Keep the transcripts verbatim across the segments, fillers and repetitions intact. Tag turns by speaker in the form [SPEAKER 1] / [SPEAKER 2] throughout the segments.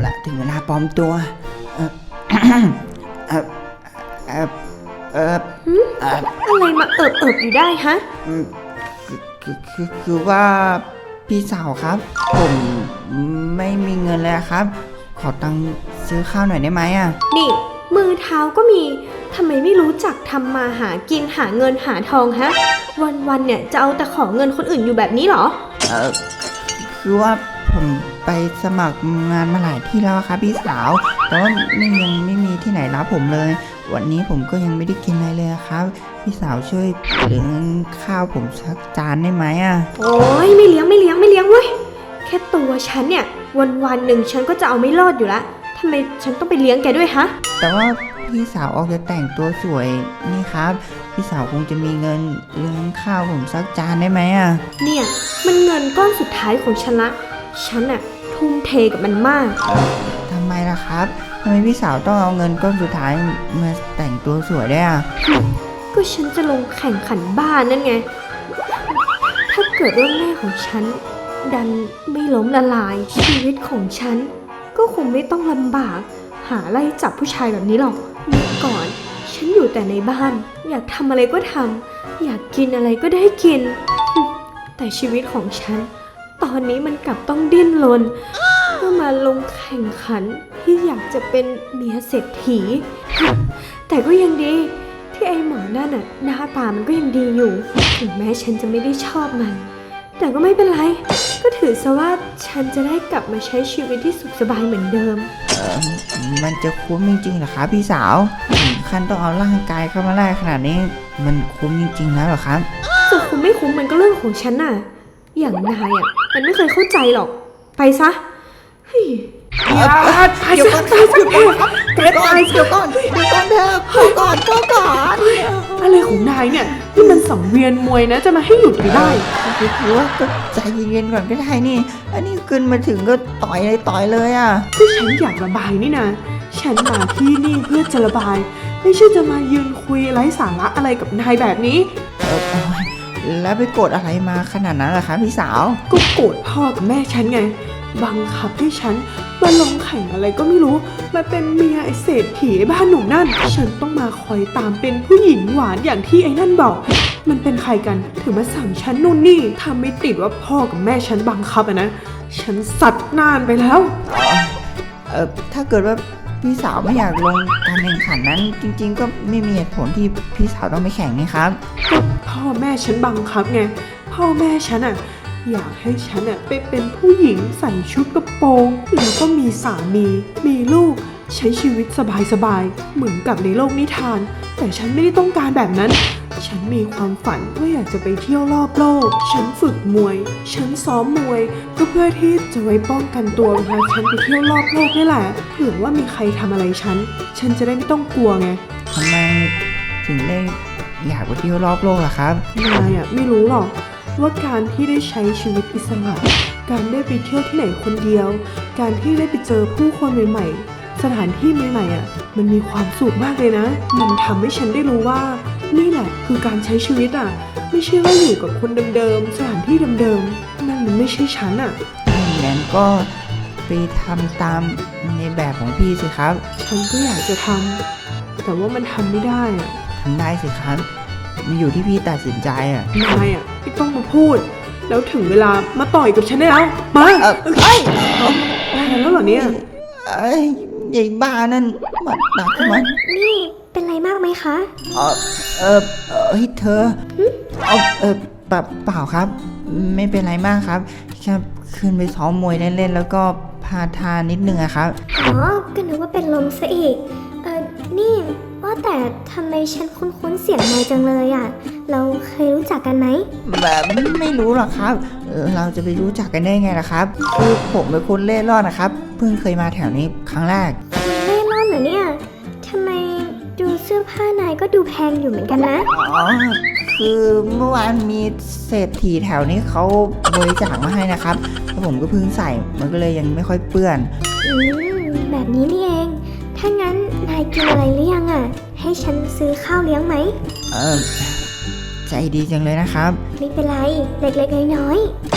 [SPEAKER 1] ละถึงเวลาปลอมตัวเออเออเออเออเออ
[SPEAKER 2] อะไรมาเอิบเอิบอยู่ได้ฮะ
[SPEAKER 1] คือคือคือว่าพี่สาวครับผมไม่มีเงินเลยครับขอตังค์ซื้อข้าวหน่อยได้ไหมอ่ะ
[SPEAKER 2] นี่มือเท้าก็มีทำไมไม่รู้จักทำมาหากินหาเงินหาทองฮะวันๆเนี่ยจะเอาแต่ขอเงินคนอื่นอยู่แบบนี้เหรอ
[SPEAKER 1] เออคือว่าผมไปสมัครงานมาหลายที่แล้วครับพี่สาวแต่ว่าไม่ยังไม่มีที่ไหนรับผมเลยวันนี้ผมก็ยังไม่ได้กินอะไรเลยครับพี่สาวช่วยเลี้ยงข้าวผมสักจานได้ไหมอ่ะ
[SPEAKER 2] โอ้ยไม่เลี้ยงไม่เลี้ยงไม่เลี้ยงเว้ยแค่ตัวฉันเนี่ยวันๆหนึ่งฉันก็จะเอาไม่รอดอยู่ละทำไมฉันต้องไปเลี้ยงแกด้วยฮะ
[SPEAKER 1] แต่ว่าพี่สาวออกจะแต่งตัวสวยนี่ครับพี่สาวคงจะมีเงินเลี้ยงข้าวผมสักจานได้ไหมอ่ะ
[SPEAKER 2] เนี่ยมันเงินก้อนสุดท้ายของฉันละฉันอะทุ่มเทกับมันมาก
[SPEAKER 1] ทำไมล่ะครับทำไมพี่สาวต้องเอาเงินก้อนสุดท้ายมาแต่งตัวสวยได้อ่ะ
[SPEAKER 2] ก็ฉันจะลงแข่งขันบ้านนั่นไงถ้าเกิดว่าแม่ของฉันดันไม่ล้มละลายชีวิตของฉันก็คงไม่ต้องลำบากหาไล่จับผู้ชายแบบนี้หรอกเมื่อก่อนฉันอยู่แต่ในบ้านอยากทำอะไรก็ทำอยากกินอะไรก็ได้กินแต่ชีวิตของฉันตอนนี้มันกลับต้องดิ้นรนเพื่อมาลงแข่งขันที่อยากจะเป็นเมียเศรษฐีแต่ก็ยังดีที่ไอ้หมอนั่นน่ะหน้าตามันก็ยังดีอยู่ถึงแม้ฉันจะไม่ได้ชอบมันแต่ก็ไม่เป็นไรก็ถือซะว่าฉันจะได้กลับมาใช้ชีวิตที่สุขสบายเหมือนเดิม
[SPEAKER 1] เออมันจะคุ้มจริงๆเหรอครับพี่สาวถึงขั้นต้องเอาร่างกายเข้ามาแลกขนาดนี้มันคุ้มจริงๆแล้วเหรอครับ
[SPEAKER 2] จะคุ้มไม่คุ้มมันก็เรื่องของฉันน่ะอย่างนายอ่ะมันไม่เคยเข้าใจหรอกไปซะเฮ้ย
[SPEAKER 1] อย่าเดี๋ยวก่อนเดี๋ยวก่อนเดี๋ยวก่อนเดี๋ยวก่อนเดี๋ยวก่อนเถอะเดี๋ยวก่อนเดี๋ยวก่อน
[SPEAKER 3] อะไรของนายเนี่ยนี่มันสังเวียนมวยนะจะมาให้หยุดไม่ได้
[SPEAKER 1] คือว่าก็ใจเย็นๆก่อนก็ได้นี่อันนี้ขึ้นมาถึงก็ต่อยเลยต่อยเลยอ่ะ
[SPEAKER 3] ก็ฉันอยากระบายนี่นะฉันมาที่นี่เพื่อจะระบายไม่ใช่จะมายืนคุยไร้สาระอะไรกับนายแบบนี้
[SPEAKER 1] เออแล้วไปโกรธอะไรมาขนาดนั้นล่ะคะพี่สาว
[SPEAKER 3] ก็โกรธพ่อกับแม่ฉันไงบังคับให้ฉันมาลงแข่งอะไรก็ไม่รู้มาเป็นเมียไอ้เศรษฐีบ้านหนุ่มนั่นฉันต้องมาคอยตามเป็นผู้หญิงหวานอย่างที่ไอ้นั่นบอกมันเป็นใครกันถึงมาสั่งฉันนู่นนี่ทำไม่ติดว่าพ่อกับแม่ฉันบังคับอะนะฉันสัตว์นานไปแล้ว
[SPEAKER 1] เออถ้าเกิดว่าพี่สาวไม่อยากลงการแข่งขันนั้นจริงๆก็ไม่มีเหตุผลที่พี่สาวต้องไปแข่งนี่ครับ
[SPEAKER 3] พ่อแม่ฉันบังคับไงพ่อแม่ฉันอะอยากให้ฉันอะไปเป็นผู้หญิงใส่ชุดกระโปรงแล้วก็มีสามีมีลูกใช้ชีวิตสบายๆเหมือนกับในโลกนิทานแต่ฉันไม่ได้ต้องการแบบนั้นฉันมีความฝันว่าอยากจะไปเที่ยวรอบโลกฉันฝึกมวยฉันซ้อมมวยก็เพื่อที่จะไว้ป้องกันตัวเวลาฉันไปเที่ยวรอบโลกนี่แหละเผื่อว่ามีใครทำอะไรฉันฉันจะได้ไม่ต้องกลัวไง
[SPEAKER 1] ทำไมถึงได้อยากไปเที่ยวรอบโลกล่ะครับ
[SPEAKER 3] นายอะไม่รู้หรอกว่าการที่ได้ใช้ชีวิตอิสระการได้ไปเที่ยวที่ไหนคนเดียวการที่ได้ไปเจอผู้คนใหม่ๆสถานที่ใหม่ๆอ่ะมันมีความสุขมากเลยนะมันทำให้ฉันได้รู้ว่านี่แหละคือการใช้ชีวิตอ่ะไม่ใช่ว่าอยู่กับคนเดิมๆสถานที่เดิมๆนั่นมันไม่ใช่ฉันอ่ะ
[SPEAKER 1] งั้นก็ไปทำตามในแบบของพี่สิครับ
[SPEAKER 3] ฉันก็อยากจะทำแต่ว่ามันทำไม่ได้อ่ะ
[SPEAKER 1] ทำได้สิครับมันอยู่ที่พี่ตัดสินใจอ่ะ
[SPEAKER 3] นายอ่ะไม่ต้องมาพูดแล้วถึงเวลามาต่อยกับฉันได้แล้วมา
[SPEAKER 1] เออเอ้ย
[SPEAKER 3] ได้แล้วเหรอเนี่ย
[SPEAKER 1] เอ้ยใหญ่บ้านั่นมันหนักมัน
[SPEAKER 2] นี่เป็นไรมากไหมคะ
[SPEAKER 1] เออเออเฮ้ยเธอเอาเออเปล่าครับไม่เป็นไรมากครับแค่ขึ้นไปซ้อมมวยเล่นๆแล้วก็พาทานนิดนึงอะครับ
[SPEAKER 2] อ๋อก็นึกว่าเป็นลมซะอีกเออนี่ว่าแต่ทำไมฉันคุ้นๆเสียงนายจังเลยอ่ะเราเคยรู้จักกันไหม
[SPEAKER 1] แบบไม่รู้หรอกครับเราจะไปรู้จักกันได้ไงล่ะครับคือผมเป็นคนเล่ร่อนนะครับเพิ่งเคยมาแถวนี้ครั้งแรก
[SPEAKER 2] เล่ร่อนเหรอเนี่ยทำไมดูเสื้อผ้านายก็ดูแพงอยู่เหมือนกันนะ
[SPEAKER 1] อ๋อคือเมื่อวานมีเศรษฐีแถวนี้เขาบริจาคมาให้นะครับแล้วผมก็เพิ่งใส่มันก็เลยยังไม่ค่อยเปื้อน
[SPEAKER 2] อืมแบบนี้นี่เองถ้างั้นนายกินอะไรหรือยังอ่ะให้ฉันซื้อข้าวเลี้ยงไหม
[SPEAKER 1] เออใจดีจังเลยนะครับ
[SPEAKER 2] ไม่เป็นไรเล็กๆน้อย
[SPEAKER 1] ๆเออ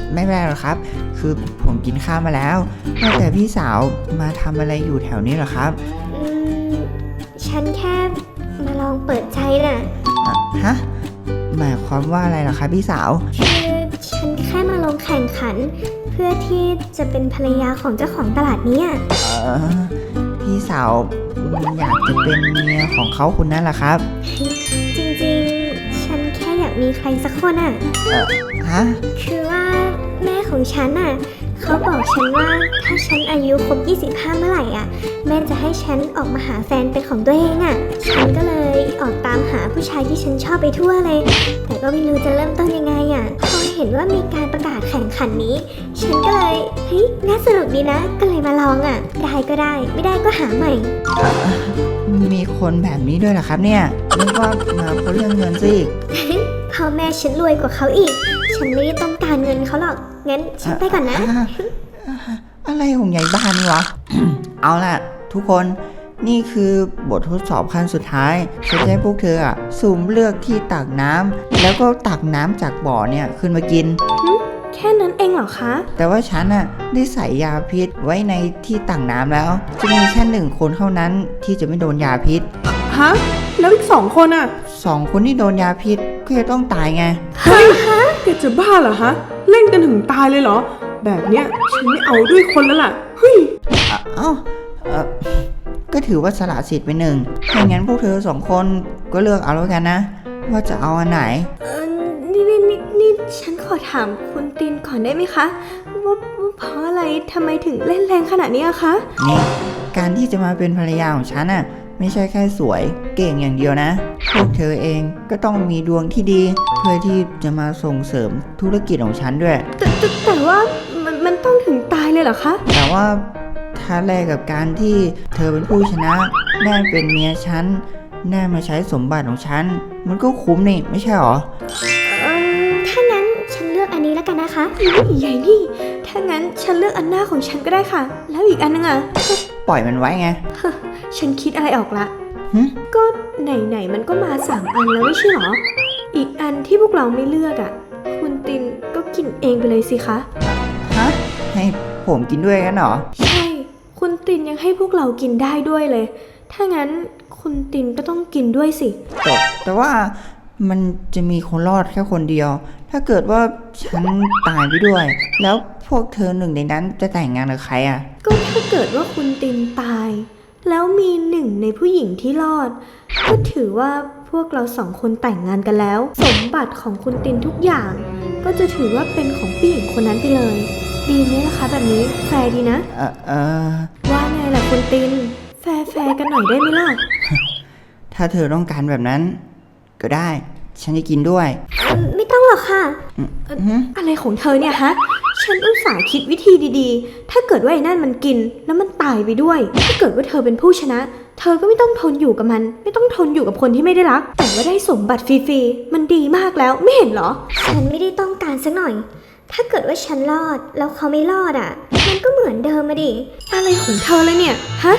[SPEAKER 1] ไม่เป็นไรหรอกครับ คือผมกินข้าวมาแล้วว่าแต่พี่สาวมาทำอะไรอยู่แถวนี้เหรอครับ
[SPEAKER 2] อืม ฉันแค่มาลองเปิดใจน่ะ
[SPEAKER 1] อ่ะฮะหมายความว่าอะไรเหรอครับพี่สาว
[SPEAKER 2] คือฉันแค่มาลงแข่งขัน เพื่อที่จะเป็นภรรยาของเจ้าของตลาดเนี้ย
[SPEAKER 1] เออพี่สาวอยากจะเป็นเมียของเขาคนนั้นเหรอครับ
[SPEAKER 2] จริงๆ ฉันแค่อยากมีใครสักคนอ่ะ
[SPEAKER 1] เออฮะ
[SPEAKER 2] คือว่าแม่ของฉันน่ะเขาบอกฉันว่าถ้าฉันอายุครบยี่สิบห้าเมื่อไหร่อ่ะแม่จะให้ฉันออกมาหาแฟนเป็นของตัวเองอ่ะฉันก็เลยออกตามหาผู้ชายที่ฉันชอบไปทั่วเลย แต่ก็ไม่รู้จะเริ่มต้นยังไงอ่ะพอเห็นว่ามีการประกาศแข่งขันนี้ ฉันก็เลยเฮ้ยน่าสนุกดีนะ ก็เลยมาลองอ่ะได้ก็ได้ไม่ได้ก็หาใหม่
[SPEAKER 1] มีคนแบบนี้ด้วยเหรอครับเนี่ยนึกว่ามาเพราะเรื่องเงินซะอีก
[SPEAKER 2] พ่อแม่ฉันรวยกว่าเขาอีก ฉันไม่ได้ต้องการเงินเขาหรอกงั้นฉันไปก่อนนะ
[SPEAKER 1] อ่ะอ่ะอะไรของยายบ้านนี่วะ เอาล่ะ ทุกคนนี่คือบททดสอบขั้นสุดท้ายฉันจะให้พวกเธออ่ะสุ่มเลือกที่ตักน้ำแล้วก็ตักน้ำจากบ่อเนี่ยขึ้นมากิน
[SPEAKER 2] แค่นั้นเองเหรอคะ
[SPEAKER 1] แต่ว่าฉันน่ะได้ใส่ยาพิษไว้ในที่ตักน้ำแล้ว จะมีแค่หนึ่งคนเท่านั้นที่จะไม่โดนยาพิษ
[SPEAKER 3] ฮะ แล้วอีกสองคนอ่ะ
[SPEAKER 1] สองคนที่โดนยาพิษก็จะต้องตายไง
[SPEAKER 3] เฮ้ยแกจะบ้าเหรอฮะ เล่นกันถึงตายเลยเหรอ แบบเนี้ยฉันไม่เอาด้วยคนแล้วล่ะ เฮ้ย
[SPEAKER 1] อ่ะเอ้าเอ่อก็ถือว่าสละสิทธิ์ไปหนึ่งถ้างั้นพวกเธอสองคนก็เลือกเอาแล้วกันนะ ว่าจะเอาอันไหน
[SPEAKER 2] เออนี่นี่นี่นี่ฉันขอถามคุณตินก่อนได้ไหมคะว่าว่าเพราะอะไรทำไมถึงเล่นแรงขนาดนี้อะคะ
[SPEAKER 1] นี่ การที่จะมาเป็นภรรยาของฉันน่ะไม่ใช่แค่สวยเก่งอย่างเดียวนะ พวกเธอเองก็ต้องมีดวงที่ดี เพื่อที่จะมาส่งเสริมธุรกิจของฉันด้วย
[SPEAKER 2] แต่แต่แต่ว่ามันมันต้องถึงตายเลยเหรอคะ
[SPEAKER 1] แต่ว่าถ้าแลกกับการที่เธอเป็นผู้ชนะแน่เป็นเมียฉันแน่มาใช้สมบัติของฉัน มันก็คุ้มนี่ไม่ใช่หรอ
[SPEAKER 2] เออถ้างั้นฉันเลือกอันนี้แล้วกันนะคะใหญ่นี่ ถ้างั้นฉันเลือกอันหน้าของฉันก็ได้ค่ะ แล้วอีกอันนึงอะ
[SPEAKER 1] ปล่อยมันไว้ไง
[SPEAKER 2] ฉันคิดอะไรออกละ
[SPEAKER 1] หึ
[SPEAKER 2] ก็ไหนๆมันก็มาสามอันแล้วไม่ใช่หรอ อีกอันที่พวกเราไม่เลือกอะคุณตินก็กินเองไปเลยสิคะ
[SPEAKER 1] ฮะให้ผมกินด้วยกันเหรอ
[SPEAKER 2] ใช่ คุณตินยังให้พวกเรากินได้ด้วยเลย ถ้างั้นคุณตินก็ต้องกินด้วยสิ
[SPEAKER 1] แต่แต่ว่ามันจะมีคนรอดแค่คนเดียว ถ้าเกิดว่าฉันตายไปด้วย แล้วพวกเธอหนึ่งในนั้นจะแต่งงานกับใครอ่ะ
[SPEAKER 2] ก็ถ้าเกิดว่าคุณตินตาย แล้วมีหนึ่งในผู้หญิงที่รอด ก็ถือว่าพวกเราสองคนแต่งงานกันแล้ว สมบัติของคุณตินทุกอย่าง ก็จะถือว่าเป็นของผู้หญิงคนนั้นไปเลย ดีไหมล่ะคะแบบนี้แฟร์ดีนะ
[SPEAKER 1] เออเออ
[SPEAKER 2] ว่าไงล่ะคุณติน แฟร์แฟร์กันหน่อยได้ไหมล่ะ
[SPEAKER 1] ถ้าเธอต้องการแบบนั้น ก็ได้ ฉันจะกินด้วย
[SPEAKER 2] ไม่ต้องหรอกค่ะ
[SPEAKER 1] อืมอืม
[SPEAKER 2] อะไรของเธอเนี่ยฮะ ฉันอุตส่าห์คิดวิธีดีๆ ถ้าเกิดว่าไอ้นั่นมันกินแล้วมันตายไปด้วย ถ้าเกิดว่าเธอเป็นผู้ชนะ เธอก็ไม่ต้องทนอยู่กับมัน ไม่ต้องทนอยู่กับคนที่ไม่ได้รัก แต่ว่าได้สมบัติฟรีๆ มันดีมากแล้วไม่เห็นเหรอ ฉันไม่ได้ต้องการสักหน่อย ถ้าเกิดว่าฉันรอดแล้วเขาไม่รอดอ่ะ มันก็เหมือนเดิมมาดิ อะไรของเธอเลยเนี่ย ฮะ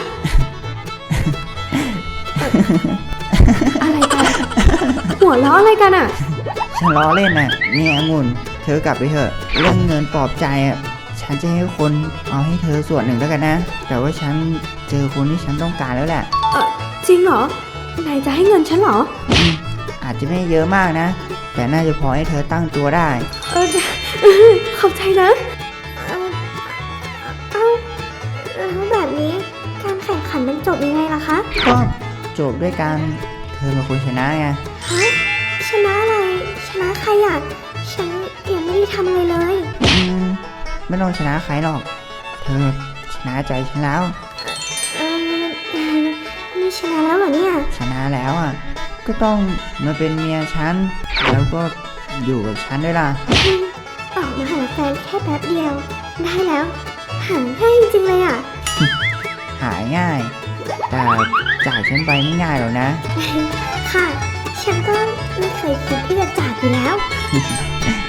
[SPEAKER 2] อะไรกัน หัวเราะอะไรกันอ่ะ
[SPEAKER 1] ฉันล้อเล่นน่ะเนี่ยองุ่นเธอกลับไปเถอะเรื่องเงินปลอบใจอ่ะฉันจะให้คนเอาให้เธอส่วนหนึ่งแล้วกันนะ แต่ว่าฉันเจอคนที่ฉันต้องการแล้วแหละ
[SPEAKER 2] เออจริงเหรอ นายจะให้เงินฉันเหรอ
[SPEAKER 1] อืมอาจจะไม่เยอะมากนะ แต่น่าจะพอให้เธอตั้งตัวได้
[SPEAKER 2] เออเออขอบใจนะเออเอ้าแล้วแบบนี้การแข่งขันมันจบยังไงล่ะคะ
[SPEAKER 1] ก็จบด้วยการเธอเป็นคนชนะไง
[SPEAKER 2] ฮะ ชนะอะไร ชนะใครอ่ะ ฉันยังไม่ได้ทำอะไรเลย
[SPEAKER 1] อืมไม่ต้องชนะใครหรอก เธอชนะใจฉันแล้ว
[SPEAKER 2] เออนี่ชนะแล้วเหรอเนี่ย
[SPEAKER 1] ชนะแล้วอ่ะ ก็ต้องมาเป็นเมียฉัน แล้วก็อยู่กับฉันด้วยล่ะ
[SPEAKER 2] ออกมาหาแฟนแค่แป๊บเดียว ได้แล้ว หาง่ายจริงเลยอ่ะ
[SPEAKER 1] หายง่าย แต่จากฉันไปไม่ง่ายหรอกนะ
[SPEAKER 2] ค่ะ ฉันก็ไม่เคยคิดที่จะจากอยู่แล้ว